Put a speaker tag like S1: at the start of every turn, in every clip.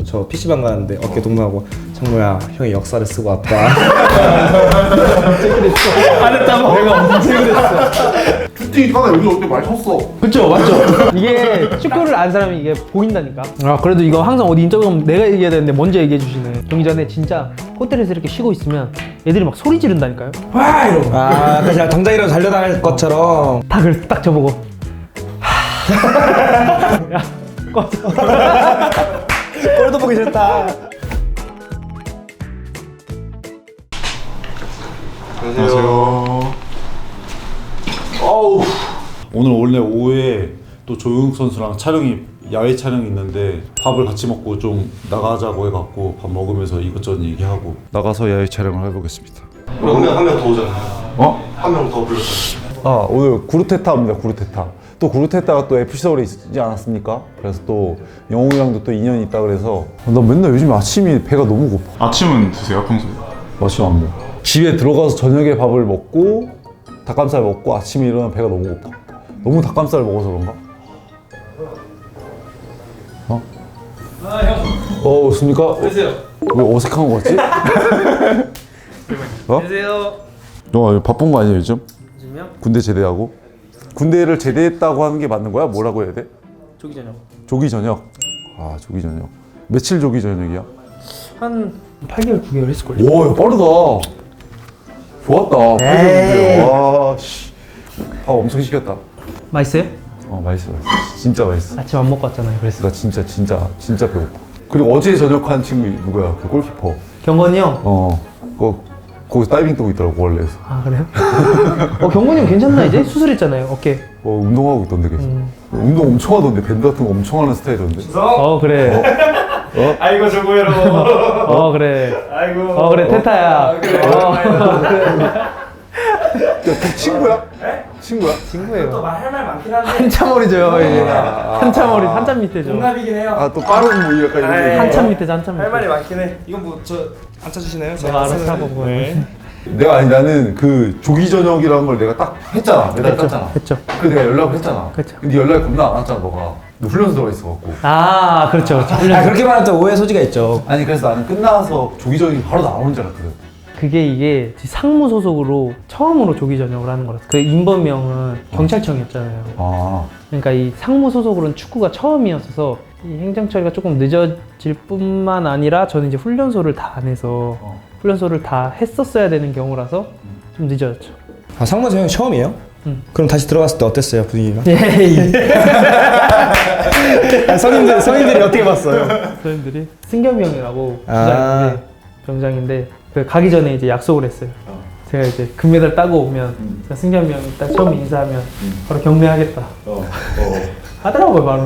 S1: 저 PC방 가는데 어깨 동무하고 정모야 형이 역사를 쓰고 왔다.
S2: 언제 그랬어? 안 했다고? 내가 언제 그랬어?
S3: 슈팅 하나 여기서 어떻게 많이 쳤어?
S2: 그쵸, 맞죠? 이게 축구를 아는 사람이 이게 보인다니까. 아, 그래도 이거 항상 어디 인터뷰 가면 내가 얘기해야 되는데 먼저 얘기해 주시네. 경기 전에 진짜 호텔에서 이렇게 쉬고 있으면 애들이 막 소리 지른다니까요. 와! 이러고.
S1: 아, 그냥 당장이라도 달려나갈 것처럼.
S2: 다 그래서 딱 저보고 야, 꺼져.
S1: 꼴도 보기 싫다.
S3: 안녕하세요.
S4: 어우. 오늘 원래 오후에 또 조용욱 선수랑 야외 촬영이 있는데 밥을 같이 먹고 좀 나가자고 해갖고 밥 먹으면서 이것저것 얘기하고 나가서 야외 촬영을 해보겠습니다.
S3: 한 명 더 오잖아요.
S4: 어?
S3: 한 명 더 불렀어요.
S4: 아 오늘 구르테타입니다. 구르테타. 또 구르테타가 또 FC 서울에 있지 않았습니까? 그래서 또 영웅이랑도 또 인연이 있다 그래서 나 맨날 요즘 아침이 배가 너무 고파.
S5: 아침은 드세요 평소에?
S4: 아침 안 먹어. 집에 들어가서 저녁에 밥을 먹고 닭가슴살 먹고 아침에 일어나면 배가 너무 고파. 너무 닭가슴살을 먹어서 그런가? 어?
S2: 아, 형.
S4: 없습니까?
S2: 안녕하세요.
S4: 왜 어색한 거 같지? 어?
S2: 안녕하세요.
S4: 너 바쁜 거 아니야 요즘?
S2: 요즘요?
S4: 군대 제대하고? 군대를 제대했다고 하는 게 맞는 거야? 뭐라고 해야 돼?
S2: 조기 저녁.
S4: 조기 저녁. 아 조기 저녁. 며칠 조기 저녁이야?
S2: 한 8개월, 9개월 했을걸요.
S4: 오, 이거 빠르다. 좋았다. 와, 씨. 밥 엄청 시켰다.
S2: 맛있어요?
S4: 맛있어, 맛있어. 진짜 맛있어.
S2: 아침 안 먹고 왔잖아요. 그래서.
S4: 나 진짜 배고파. 그리고 어제 저녁한 친구 누구야? 그 골키퍼.
S2: 경건이 형.
S4: 거기 다이빙 뜨고 있더라고, 원래에서.
S2: 아, 그래요? 경건이 형 괜찮나 이제? 수술했잖아요, 어깨.
S4: 운동하고 있던데 계속. 운동 엄청 하던데, 밴드 같은 거 엄청 하는 스타일이던데.
S2: 그래.
S1: 아이고 저거로.
S2: 그래.
S1: 아이고.
S2: 그래, 테타야.
S1: 그래.
S4: 그 친구야? 친구야?
S2: 친구예요.
S1: 할 말 많긴 한데.
S2: 한참 어리죠, 이제. 한참 밑에죠.
S1: 동갑이긴 해요.
S4: 또 빠른 뭐 약간 이런 거.
S2: 한참 밑에죠, 한참 밑에.
S1: 할 말이 많긴 해. 이건 뭐 저 안 찾으시나요?
S2: 내가 알아서 하고.
S1: 네.
S4: 나는 그 조기 저녁이라는 걸 내가 딱 했잖아. 매달 땄잖아.
S2: 했죠.
S4: 그래서 내가 연락을 했잖아.
S2: 그쵸.
S4: 근데 연락이 겁나 안 왔잖아, 너가. 너 훈련소 들어가 있어갖고.
S2: 아, 그렇죠.
S1: 그렇게 말하면 또 오해 소지가 있죠.
S4: 아니, 그래서 나는 끝나서 조기 저녁이 바로 나오는 줄 알았거든.
S2: 이게 상무 소속으로 처음으로 조기 전역을 하는 거라서. 그 인범명은 경찰청이었잖아요.
S4: 아.
S2: 그러니까 이 상무 소속으로는 축구가 처음이었어서 이 행정 처리가 조금 늦어질 뿐만 아니라 저는 이제 훈련소를 다 안 해서 훈련소를 다 했었어야 되는 경우라서 좀 늦어졌죠.
S1: 아, 상무 형 처음이에요? 그럼 다시 들어갔을 때 어땠어요 분위기가?
S2: 예.
S1: 성인들이 어떻게 봤어요?
S2: 선생님들이 승겸이 형이라고
S1: 아.
S2: 병장인데 그 가기 전에 이제 약속을 했어요. 제가 이제 금메달 따고 오면 제가 승겸이 형이 딱 처음 인사하면 바로 경례하겠다. 하더라고요 바로.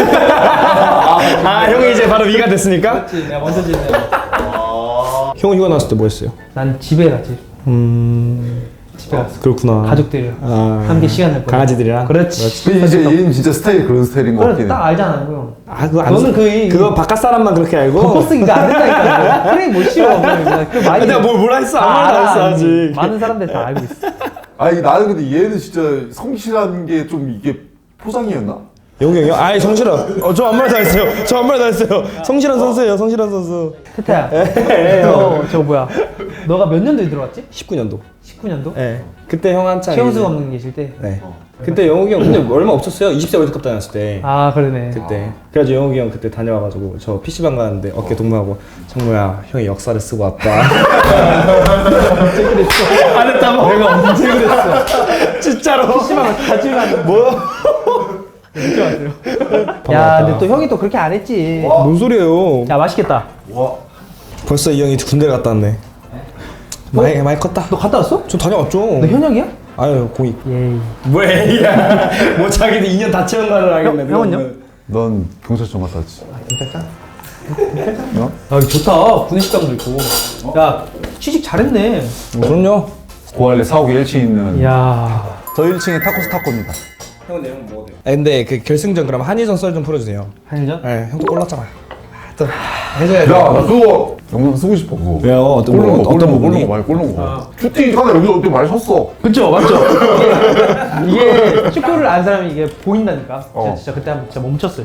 S1: 아 형이 이제 바로 위가 됐으니까?
S2: 그렇지, 내가 먼저 지내요.
S1: 형은 휴가 나왔을 때 뭐 했어요?
S2: 난 집에 가지. 집에 갔어.
S1: 그렇구나.
S2: 가족들이랑
S1: 아.
S2: 함께 시간을 보내.
S1: 강아지들이랑?
S2: 그렇지.
S4: 근데 이제 얘는 진짜 스타일이 그런 스타일인 것
S2: 그래
S4: 같긴 해.
S2: 딱 알잖아 형.
S1: 아 그거
S2: 너는
S1: 그거 바깥 사람만 그렇게 알고?
S2: 겉보쓰기가 안 된다니까. 프레임 못 씌워. 그 많이.
S1: 내가 뭐라 했어? 아무 말도 안 했어 아직.
S2: 많은 사람들이 다 알고 있어.
S4: 아니, 나는 근데 얘는 진짜 성실한 게 좀 이게 포장이었나?
S1: 영웅이 형이요? 아이 성실한. 저 아무 말도 안 했어요. 저 아무 말도 안 했어요. 성실한 선수예요. 성실한 선수.
S2: 태태야. 저 뭐야? 너가 몇 년도에 들어왔지?
S1: 19년도.
S2: 19년도?
S1: 네. 그때 형 한창.
S2: 최영수
S1: 이제-
S2: 감독님 계실 때.
S1: 네. 그때 영욱이 형 근데 얼마 없었어요. 20세 월드컵 다녔을 때.
S2: 아 그러네.
S1: 그때. 그래가지고 영욱이 형 그때 다녀와가지고 저 PC방 가는데 어깨 동무하고 정모야 형이 역사를 쓰고 왔다.
S2: 언제 그랬어? 안 했다고? 내가 언제 그랬어?
S1: 진짜로.
S2: PC방을 같이 가는.
S1: 뭐?
S2: 늦게 왔어요. 야, 근데 또 형이 또 그렇게 안 했지.
S1: 뭔 소리예요?
S2: 야, 맛있겠다.
S1: 벌써 이 형이 군대 갔다 왔네. 많이 컸다.
S2: 너 갔다 왔어?
S1: 저 다녀왔죠.
S2: 너 현역이야?
S1: 아유 공익.
S2: 예이.
S1: 뭐야? 뭐 자기도 2년 다 채운 거를 알겠네.
S2: 형은요?
S4: 넌 경찰청 갔다 왔지.
S2: 괜찮다.
S4: 어?
S2: 아, 좋다. 구내식당도 있고. 야, 취직 잘했네.
S1: 그럼요.
S4: 고할래 사옥에 1층에 있는
S2: 야.
S4: 저 1층에 타코스 타코입니다.
S1: 형은 내용 먹어도 돼요. 근데 그 결승전 그럼 한일전 썰 좀 풀어주세요.
S2: 한일전?
S1: 네, 형도 골랐잖아. 또 해줘야죠.
S4: 야, 나 그거 영상 쓰고 싶어 그거.
S1: 왜요? 어떤 거? 어떤 부분이?
S4: 꼴른 거. 슈팅 하나 여기서 어떻게 많이 쳤어?
S2: 그쵸, 맞죠? 이게 축구를 아는 사람이 이게 보인다니까. 진짜 그때 한번 진짜 멈췄어요, 제가.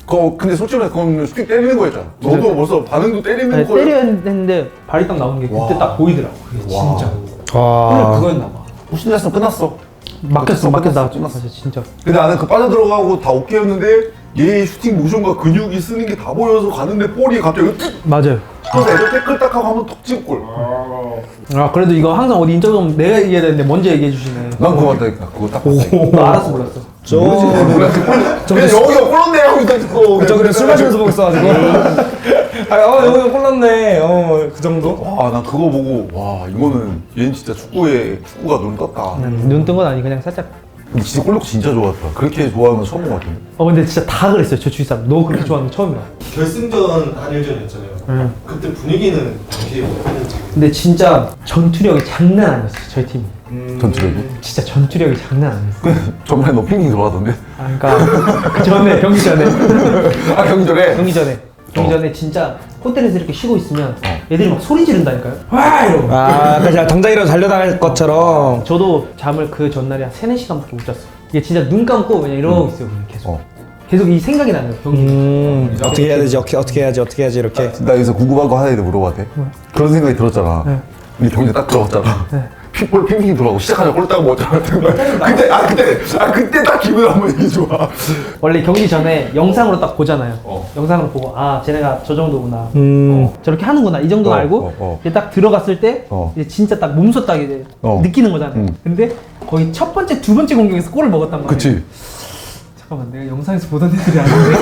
S5: 근데 솔직히 말해 그건 슈팅 때리는 거였잖아. 너도 벌써 반응도 때리는
S2: 아니,
S5: 거야.
S2: 때려야 했는데 발이 딱 나오는 게 그때
S5: 와.
S2: 딱 보이더라고. 그게 진짜.
S1: 와.
S2: 원래 그거였나 봐.
S5: 훨씬 됐으면 끝났어.
S2: 막혔어 나왔죠.
S5: 끝났어.
S2: 맞아 진짜.
S5: 근데 나는 그 빠져들어가고 다 오케이였는데 얘 슈팅 모션과 근육이 쓰는 게 다 보여서 가는데 볼이 갑자기 뚝!
S2: 맞아요.
S5: 그래서 애들 태클 딱 하고 한번 톡 찍고 골.
S2: 아 그래도 이거 항상 어디 인터뷰 내가 얘기해야 되는데 먼저 얘기해 주시네.
S5: 난 그거 같다니까. 그거 딱 봤다니까.
S2: 나 알았어 몰랐어.
S5: 근데 여기가 골랐네 하고 있다니까.
S1: 저 그때 술 마시면서 보고 있어가지고. 여기 골랐네. 그 정도?
S5: 와, 난 그거 보고 와 이거는 얘는 진짜 축구가 눈 떴다.
S2: 눈 뜬 건 아니 그냥 살짝.
S5: 근데 진짜 골 넣고 진짜 좋았다. 그렇게 좋아하는 건 처음 본 것 같은데.
S2: 근데 진짜 다 그랬어요 저 주위 사람. 너 그렇게 좋아하는 거 처음이야.
S3: 결승전 한일전이었잖아요. 그때 분위기는 당시에 어땠는지.
S2: 근데 진짜 전투력이 장난 아니었어 저희 팀이.
S5: 전투력이.
S2: 진짜 전투력이 장난 아니었어.
S5: 전반에 너 핑핑 돌아던데.
S2: 그러니까 그 전에 경기 전에
S5: 아 경절에.
S2: 경기 전에 진짜 호텔에서 이렇게 쉬고 있으면 애들이 막 소리 지른다니까요. 와 이러고.
S1: 그냥 당장이라도 달려나갈 것처럼.
S2: 저도 잠을 그 전날에 한 3-4시간밖에 못 잤어요. 이게 진짜 눈 감고 그냥 이러고 있어요 그냥 계속. 계속 이 생각이 나는 거예요 경기.
S1: 어떻게 해야 되지? 어떻게 해야지 이렇게.
S5: 나 여기서 궁금한 거 하나 물어봐도 돼? 그런 생각이 들었잖아.
S2: 네.
S5: 우리 경기 딱 들어갔잖아.
S2: 네.
S5: pit볼 핑핑 돌아가고 시작하자 골 따고 먹었잖아. 그때 딱 기분 한번 얘기 좋아.
S2: 원래 경기 전에 영상으로 딱 보잖아요. 영상으로 보고 쟤네가 저 정도구나. 저렇게 하는구나 이 정도 알고 이제 딱 들어갔을 때 이제 진짜 딱 몸소 딱 이제 느끼는 거잖아요. 근데 거의 첫 번째 두 번째 공격에서 골을 먹었단 말이에요.
S5: 그치.
S2: 잠깐만 내가 영상에서 보던 애들이 아닌데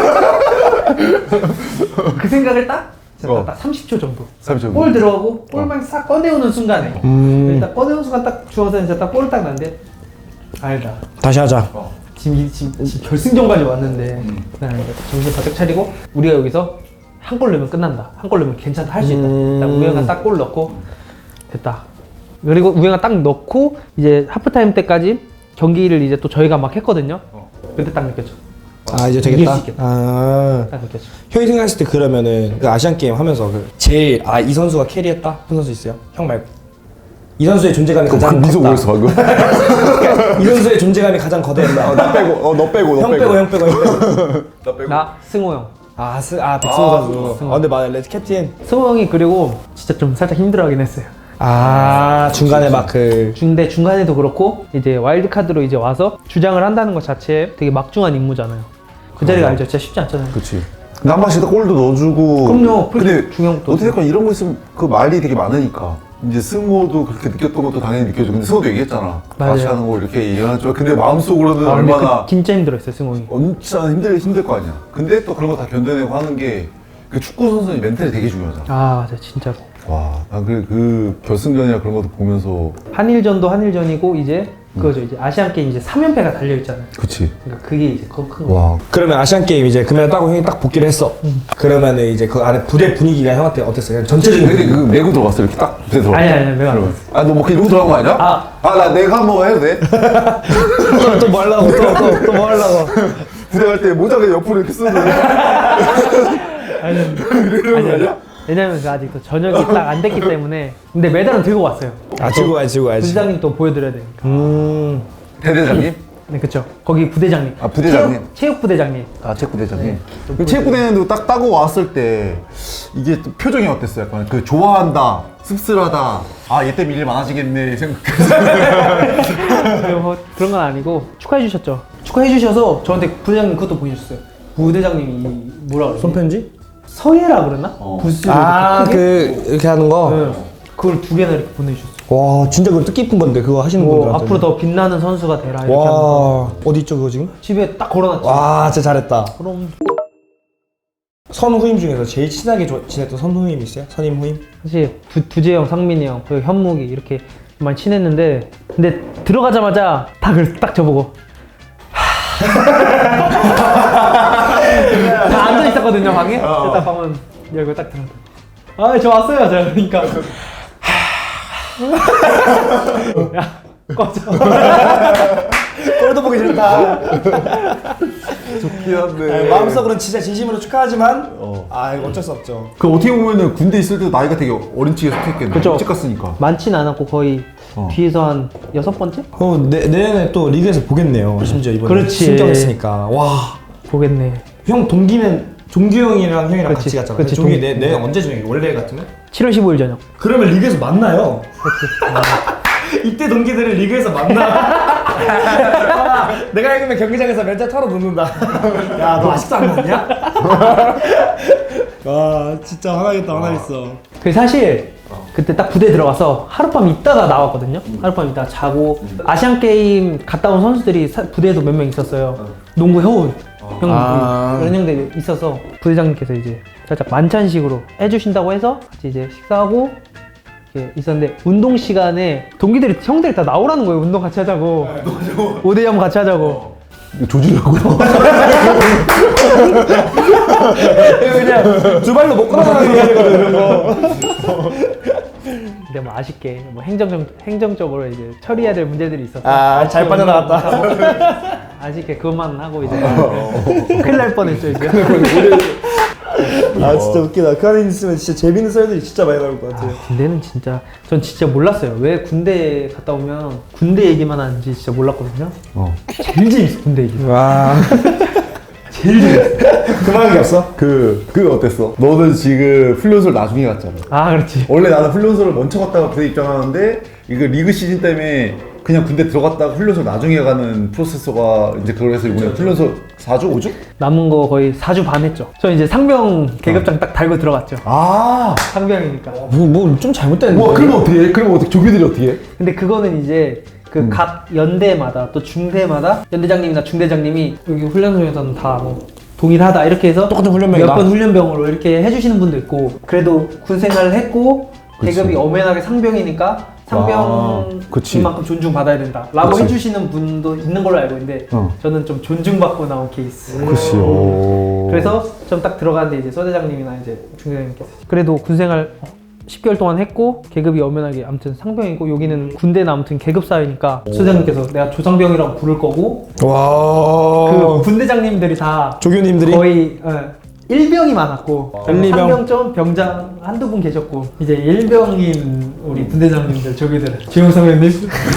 S2: 그 생각을 딱 30초 정도
S5: 30초
S2: 골 들어가고 골만 싹 꺼내오는 순간에 딱 꺼내오는 순간 딱 주워서 이제 딱 골을 딱 났는데 알다
S1: 다시 하자.
S2: 지금 결승전까지 왔는데 그냥 정신 바짝 차리고 우리가 여기서 한 골 넣으면 끝난다. 한 골 넣으면 괜찮다. 할 수 있다. 딱 우영이가 딱 골 넣고 됐다. 그리고 우영이가 딱 넣고 이제 하프타임 때까지 경기를 이제 또 저희가 막 했거든요. 그때 딱 느꼈죠.
S1: 이제
S2: 이길
S1: 되겠다.
S2: 수 있겠다. 딱 느꼈죠.
S1: 형이 생각했을 때 그러면은 그 아시안 게임 하면서 제일 이 선수가 캐리했다 그런 선수 있어요? 형 말고. 이 선수의 존재감이 가장
S5: 미소
S1: 컸다.
S5: 보였어 방금.
S1: 이 선수의 존재감이 가장 거대했다.
S5: 나 빼고 너 빼고
S1: 형 빼고.
S5: 나 빼고.
S2: 나 승호 형.
S1: 백승호 선수. 근데 맞아, 레드 캡틴.
S2: 승호 형이 그리고 진짜 좀 살짝 힘들어하긴 했어요.
S1: 중간에 막
S2: 근데 중간에도 그렇고 이제 와일드카드로 이제 와서 주장을 한다는 것 자체에 되게 막중한 임무잖아요. 그 자리가 알죠? 진짜 쉽지 않잖아요.
S5: 그치. 근데 한 번씩 골도 넣어주고.
S2: 그럼요.
S5: 근데
S2: 중요한 것도
S5: 어떻게 이런 거 있으면 그 말이 되게 많으니까. 이제 승호도 그렇게 느꼈던 것도 당연히 느껴지고. 근데 승호도 얘기했잖아.
S2: 맞아요.
S5: 같이 하는 거 이렇게 얘기하죠. 근데 마음속으로는
S2: 근데
S5: 얼마나
S2: 진짜 힘들었어요 승호 형이.
S5: 엄청 힘들 거 아니야. 근데 또 그런 거 다 견뎌내고 하는 게 그 축구 선수의 멘탈이 되게 중요하잖아.
S2: 맞아 진짜로.
S5: 와, 난 그 결승전이나 그런 것도 보면서.
S2: 한일전도 한일전이고 이제 그거죠. 이제 아시안 게임 이제 3연패가 달려 있잖아요.
S5: 그치.
S2: 그러니까 그게 이제 큰 거.
S5: 와.
S1: 그러면 아시안 게임 이제 금메달 따고 형이 딱 복귀를 했어. 그러면은 이제 그 안에 부대 분위기가 형한테 어땠어요? 전체적인
S5: 근데 그 메고 들어갔어 이렇게 딱 부대 들어갔어.
S2: 아니 내가 안 했어.
S5: 너 뭐 이러고 들어간 거 아니야? 나 내가 한번 해도 돼?
S1: 또 뭐 하려고 또 뭐 하려고.
S5: 부대 갈 때 모자가 옆으로 이렇게 쓰는
S2: 아니
S5: 아니야?
S2: 왜냐면 그 아직 또 저녁이 딱 안 됐기 때문에. 근데 메달은 들고 왔어요.
S1: 들고 가야지.
S2: 부대장님 또 보여드려야 되니까.
S5: 대대장님?
S2: 네 그쵸. 거기 부대장님.
S5: 부대장님?
S2: 체육 부대장님.
S5: 체육부대장님. 그 체육부대장님도 딱 따고 왔을 때 이게 또 표정이 어땠어요? 약간 그 좋아한다, 씁쓸하다, 얘 때문에 일 많아지겠네 생각했어요.
S2: 뭐 그런 건 아니고 축하해 주셨죠. 축하해 주셔서 저한테 부대장님 그것도 보여주셨어요. 부대장님이 뭐라 그러지?
S1: 손편지?
S2: 서예라 그러나? 부스를 이렇게 크게?
S1: 이렇게 하는 거?
S2: 네. 그걸 2개나 이렇게 보내주셨어요.
S1: 와, 진짜 그거 뜻깊은 건데, 그거 하시는 분들한테.
S2: 앞으로 더 빛나는 선수가 되라 이렇게 하는 거.
S1: 어디 있죠, 그거 지금?
S2: 집에 딱 걸어놨지.
S1: 와, 진짜 잘했다.
S2: 그럼
S1: 선후임 중에서 제일 친하게 지냈던 선후임 있어요? 선임 후임?
S2: 사실 두재형, 상민이 형, 그리고 현묵이 이렇게 많이 친했는데 근데 들어가자마자 딱 저보고 다 앉아 있었거든요 방에. 딱 방문 열고 딱 들어가. 저 왔어요. 저 그러니까. 야 꺼져.
S1: 꼴도 보기 싫다.
S5: 좋긴 한데.
S1: 마음속으로는 진짜 진심으로 축하하지만 이거 어쩔 수 없죠.
S5: 그 어떻게 보면은 군대 있을 때도 나이가 되게 어린 층에 속했겠네.
S2: 그쵸.
S5: 일찍 갔으니까.
S2: 많지는 않았고 거의 뒤에서 한 6번째?
S1: 내년에 또 리그에서 보겠네요. 심지어 이번에
S2: 그렇지.
S1: 신청했으니까. 와.
S2: 보겠네.
S1: 형 동기는 종규 형이랑 형이랑
S2: 그치,
S1: 같이 갔잖아.
S2: 그치,
S1: 종규 내 언제 저녁이 원래 같으면?
S2: 7월 15일 저녁.
S1: 그러면 리그에서 만나요. 이때 동기들을 리그에서 만나. 아, 내가 이기면 경기장에서 면접 털어 놓는다. 야, 너 아직도 안 났냐? 와, 진짜 화나겠다, 화나겠어.
S2: 그 사실 그때 딱 부대 들어가서 하룻밤 있다가 나왔거든요. 하룻밤 있다가 자고 아시안 게임 갔다 온 선수들이 부대에도 몇 명 있었어요. 농구 해온 형 이런 형들이 있어서 부대장님께서 이제 살짝 만찬식으로 해주신다고 해서 같이 이제 식사하고 이렇게 있었는데 운동 시간에 동기들이 형들이 다 나오라는 거예요. 운동 같이 하자고. 5대 0 같이 하자고.
S5: 이거 조지려고.
S1: 그냥 두 발로 못 걸어가는 게 아니거든, 이런 거.
S2: 근데 뭐 아쉽게 뭐 행정적으로 이제 처리해야 될 문제들이 있어서
S1: 아, 잘 빠져나갔다.
S2: 아쉽게 그것만 하고 이제 큰일 날 뻔했죠 이제.
S1: 아, 진짜 웃기다. 그 안에 있으면 진짜 재밌는 썰들이 진짜 많이 나올 것 같아요.
S2: 군대는 진짜 전 진짜 몰랐어요. 왜 군대 갔다 오면 군대 얘기만 하는지 진짜 몰랐거든요. 제일 재밌어 군대 얘기.
S1: 와.
S2: 제일 재밌어.
S1: 그만한 게 없어?
S5: 그거 어땠어? 너는 지금 훈련소를 나중에 갔잖아.
S2: 아 그렇지.
S5: 원래 나는 훈련소를 먼저 갔다가 부대 입장하는데 이거 리그 시즌 때문에 그냥 군대 들어갔다가 훈련소 나중에 가는 프로세서가 이제 그걸 해서 이번에 훈련소 4주? 5주?
S2: 남은 거 거의 4주 반 했죠. 저 이제 상병 계급장 딱 달고 들어갔죠.
S5: 아.
S2: 상병이니까.
S1: 뭐 좀 잘못됐는데.
S5: 와, 그러면 어떻게 해? 그러면 어떻게 조교들이 어떻게 해?
S2: 근데 그거는 이제 그 각 연대마다 또 중대마다 연대장님이나 중대장님이 여기 훈련소에서는 다 뭐 동일하다 이렇게 해서
S1: 똑같은 훈련병이다.
S2: 몇 번 훈련병으로 이렇게 해주시는 분도 있고 그래도 군 생활을 했고 계급이 엄연하게 상병이니까
S5: 그치.
S2: 상병인만큼 존중받아야 된다 라고
S5: 그치.
S2: 해주시는 분도 있는 걸로 알고 있는데 저는 좀 존중받고 나온 케이스.
S5: 그치.
S2: 그래서 좀 딱 들어갔는데 이제 서대장님이나 이제 중대장님께서 그래도 군생활 10개월 동안 했고 계급이 엄연하게 아무튼 상병이고 여기는 군대는 아무튼 계급 사회니까 서대장님께서 내가 조상병이라고 부를 거고
S1: 와.
S2: 그 군대장님들이 다
S1: 조교님들이?
S2: 거의 일병이 많았고
S1: 일병.
S2: 상병 병장 한두 분 계셨고 이제 일병인 우리 군대장님들 조교들 조용 선배님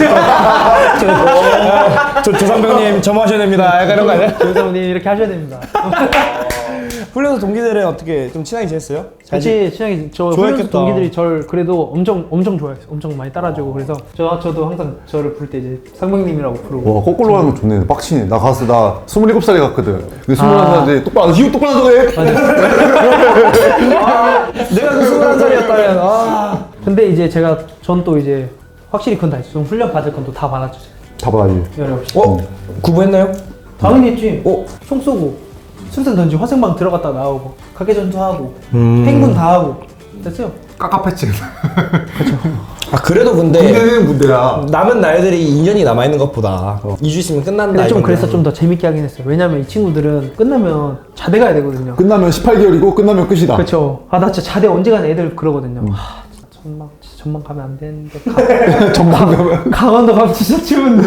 S1: 저 조상병님 점호하셔야 됩니다. 약간 이런 거 아니야?
S2: 조용 선배님 이렇게 하셔야 됩니다.
S1: 훈련소 동기들은 어떻게 좀 친하게 지냈어요?
S2: 같이 친하게 저
S1: 좋아했겠다.
S2: 훈련소 동기들이 저를 그래도 엄청 좋아했어요. 엄청 많이 따라주고 그래서 저도 항상 저를 부를 때 이제 상병님이라고 부르고.
S5: 와, 거꾸로 하는 거 좋네. 빡치네. 나 가서 나 27살에 갔거든. 그 21살인데 똑바로 이거 똑바로 하는 거해.
S1: 내가 그 21살이었다면 아.
S2: 근데 이제 전 또 이제 확실히 그건 다 했어. 좀 훈련 받을 건 또 다 받았죠.
S5: 다 받아야지.
S2: 열이 없이.
S1: 구부했나요?
S2: 당연히 했지. 총 쏘고 술탄 던지 화생방 들어갔다 나오고 각개전투하고 행군 다 하고 됐어요.
S5: 깝깝했지.
S1: 아, 그래도 근데
S5: 군대는 군대야.
S1: 남은 날들이 2년이 남아있는 것보다 2주 있으면 끝난다.
S2: 근데 좀
S1: 이건데.
S2: 그래서 좀 더 재밌게 하긴 했어요. 왜냐면 이 친구들은 끝나면 자대 가야 되거든요.
S5: 끝나면 18개월이고 끝나면 끝이다.
S2: 그렇죠. 아 나 진짜 자대 언제 가냐 애들 그러거든요. 아 진짜 전망 가면 안 되는데
S5: 전망 가면.
S2: 강원도 가면 진짜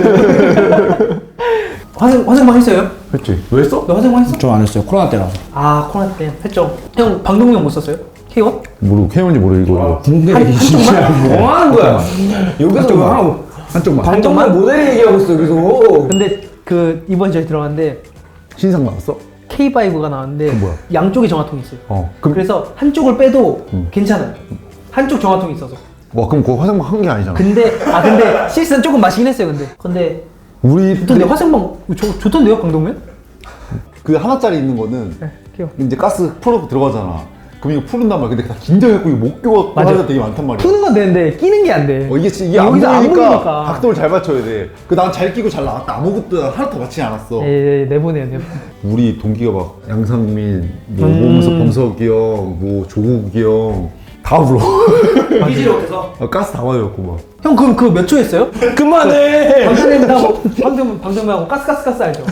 S2: 추운데. 화생방 했어요?
S5: 했지. 왜 했어?
S2: 너 화생방 했어?
S1: 좀 안 했어요. 코로나 때라.
S2: 아 코로나 때 했죠. 형 방독면 못 썼어요? K1?
S5: 모르고 캐논지 모르고 이거.
S1: 군대 진짜 뭐 하는 거야? 여기서 뭐 하고
S5: 한쪽만.
S1: 반쪽만 모델 얘기하고 있어 여기서.
S2: 근데 그 이번 저희 들어갔는데
S5: 신상 나왔어?
S2: K5가 나왔는데
S5: 뭐야?
S2: 양쪽에 정화통이 있어요.
S5: 그럼
S2: 그래서 한쪽을 빼도 괜찮아요. 한쪽 정화통이 있어서.
S5: 와, 그럼 그거 화생방 한 게 아니잖아.
S2: 근데 실수는 조금 마시긴 했어요. 근데
S5: 우리
S2: 좋던데 화생방 좋던데요 방독면?
S5: 그 하나짜리 있는 거는
S2: 네, 키워.
S5: 이제 가스 풀어서 들어가잖아. 그럼 이거 푸른단 말이야. 근데 다 긴장해갖고 이거 못 껴갖고
S2: 맞아.
S5: 하는 데 되게 많단 말이야.
S2: 푸는 건 되는데 끼는 게 안 돼.
S5: 이게 안
S2: 여기서
S5: 보이니까 각도를 잘 맞춰야 돼. 난 잘 끼고 잘 나왔다. 아무것도 하나도 맞지 않았어.
S2: 예, 내보내요, 내보내.
S5: 우리 동기가 막 양상민, 뭐 오문석 범석이 형, 뭐 조국이 형 다 불러.
S2: 삐지로 해서.
S5: 가스 다 맞았고 막.
S2: 형 그럼 그거 몇 초 했어요?
S1: 그만해.
S2: 방탄하고 방탄하고 가스 알죠?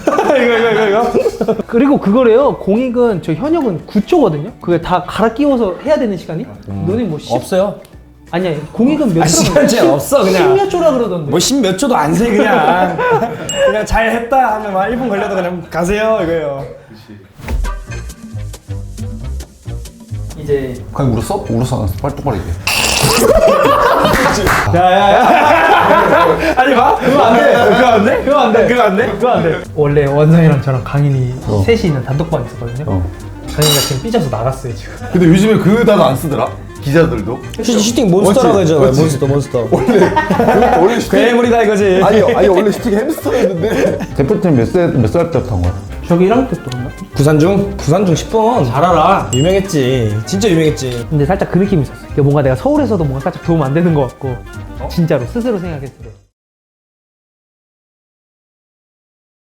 S1: 이거.
S2: 그리고 그거래요. 공익은 저 현역은 9초거든요. 그게 다 갈아 끼워서 해야 되는 시간이? 너네 뭐 10?
S1: 없어요.
S2: 아니야 공익은 몇 초라
S1: 시간 제한 없어, 그냥.
S2: 10몇 초라 그러던데.
S1: 뭐 10몇 초도 안 세 그냥. 그냥 잘 했다 하면 막 1분 걸려도 그냥 가세요 이거예요.
S2: 이제
S5: 그냥 울었어? 울었어 안 울었어? 빨리 똑바로 얘기해.
S1: 야야야. 아니 봐. 그거 안 돼. 그거 안 돼. 그거 안 돼. 그거 안 돼. 그거 안 돼.
S2: 원래 원상이랑 저랑 강인이 셋이 있는 단톡방이 있었거든요. 강인이가 지금 삐져서 나갔어요 지금.
S5: 근데 요즘에 그 단어 안 쓰더라? 기자들도?
S1: 슈팅 몬스터라고
S5: 맞지?
S1: 하잖아요.
S5: 맞지?
S1: 몬스터.
S5: 원래 슈팅
S1: 괴물이다 이거지.
S5: 아니 원래 슈팅 햄스터였는데 대표팀 몇 살 때부터 한 거야?
S2: 저기 1학년 때부터 그런가?
S1: 구산중 10번. 잘 알아. 유명했지. 진짜 유명했지.
S2: 근데 살짝 그 느낌이 있었어. 이게 뭔가 내가 서울에서도 뭔가 살짝 도움 안 되는 것 같고 진짜로 스스로 생각했을 때